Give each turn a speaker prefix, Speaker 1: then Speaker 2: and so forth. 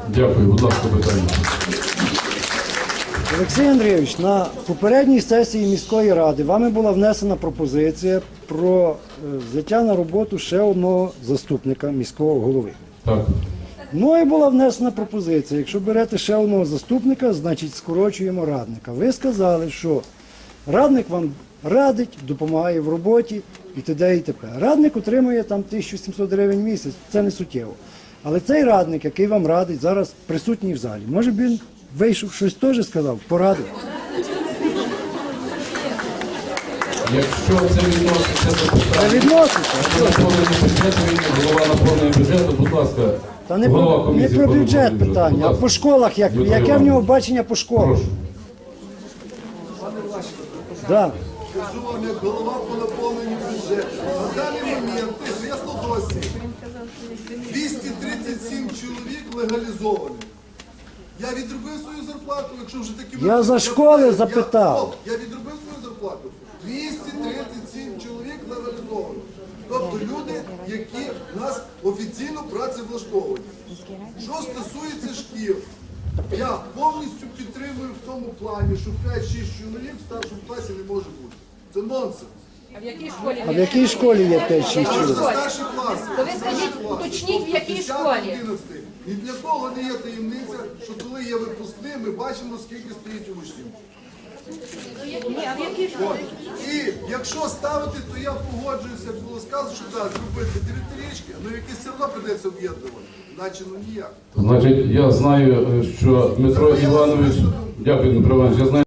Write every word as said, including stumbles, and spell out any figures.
Speaker 1: Дякую, будь ласка, питання.
Speaker 2: Олексій Андрійович, на попередній сесії міської ради вами була внесена пропозиція про е, взяття на роботу ще одного заступника міського голови.
Speaker 1: Так.
Speaker 2: Ну і була внесена пропозиція, якщо берете ще одного заступника, значить скорочуємо радника. Ви сказали, що радник вам радить, допомагає в роботі і т.д. і т.п. Радник отримує там тисячу сімсот гривень в місяць, це не суттєво. Але цей радник, який вам радить, зараз присутній в залі. Може б він вийшов, щось теж сказав, порадив.
Speaker 1: Якщо це відноситься до
Speaker 2: Це
Speaker 1: питання,
Speaker 2: відноситься.
Speaker 1: наповнення бюджету, він голова наповнення бюджету, будь ласка,
Speaker 2: Та не
Speaker 1: голова
Speaker 2: про, не
Speaker 1: комісії
Speaker 2: про
Speaker 1: по
Speaker 2: бюджет
Speaker 1: наповненню бюджету.
Speaker 2: питання,
Speaker 1: Будь
Speaker 2: а
Speaker 1: ласка.
Speaker 2: по школах, як,
Speaker 1: Дмитро
Speaker 2: яке в
Speaker 1: Іванович.
Speaker 2: нього бачення по школах.
Speaker 1: Прошу.
Speaker 2: Да.
Speaker 3: Кажу вам, як голова по наповненню бюджету. На даний момент, ясно досі, двісті тридцять сім чоловік легалізовані. Я відробив свою зарплату, якщо вже такі...
Speaker 2: Я за школи запитав.
Speaker 3: Я, я відробив свою зарплату. двісті тридцять сім чоловік легалізовані. Тобто люди, які нас офіційно працевлаштовують. Що стосується шкіл, я повністю підтримую в тому плані, що п'ять-шість чоловік в старшому класі не може бути. Це нонсенс.
Speaker 4: А в якій школі?
Speaker 2: А в якій школі є п'ять-шість
Speaker 3: Це
Speaker 2: чоловік?
Speaker 3: старші класи.
Speaker 4: То ви скажіть, уточніть, в якій школі?
Speaker 3: одинадцятий. Ні для кого не є таємниця, що коли є випускний, ми бачимо, скільки стоїть учнів.
Speaker 4: Ні, а в якій школі?
Speaker 3: І якщо ставити, то я погоджуюся, як було сказано, що так, зробити дев'ятирічки, але якісь все одно прийдеться об'єднувати. Іначе ну ніяк.
Speaker 1: Значить, я знаю, що Дмитро Іванович, дякую, Дмитро Іванович, я знаю,